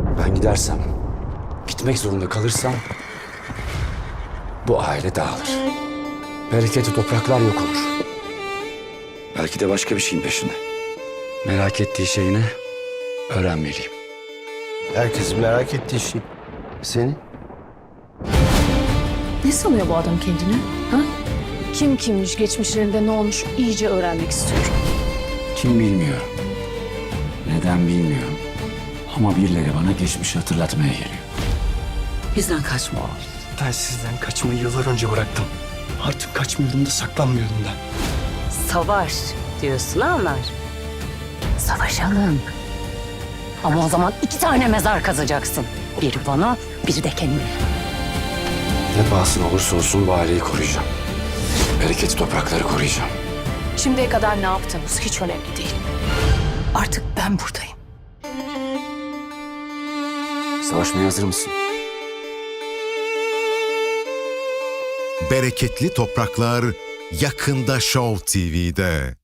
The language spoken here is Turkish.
Ben gidersem, gitmek zorunda kalırsam bu aile dağılır. Bereketli topraklar yok olur. Belki de başka bir şeyin peşinde. Merak ettiği şey ne? Öğrenmeliyim. Herkesin merak ettiği şey. Seni? Ne sanıyor bu adam kendini? Ha? Kim kimmiş, geçmişlerinde ne olmuş iyice öğrenmek istiyorum. Kim bilmiyorum. Neden bilmiyorum. Ama birileri bana geçmişi hatırlatmaya geliyor. Bizden kaçma oğlum. Ben sizden kaçmayı yıllar önce bıraktım. Artık kaçmıyorum da saklanmıyorum da. Savaş diyorsun ama savaşalım. Ama o zaman 2 tane mezar kazacaksın. Biri bana, biri de kendine. Ne pahasına olursa olsun bu aileyi koruyacağım. Bereketli toprakları koruyacağım. Şimdiye kadar ne yaptığımız hiç önemli değil. Artık ben buradayım. Savaşmaya hazır mısın? Bereketli Topraklar yakında Show TV'de.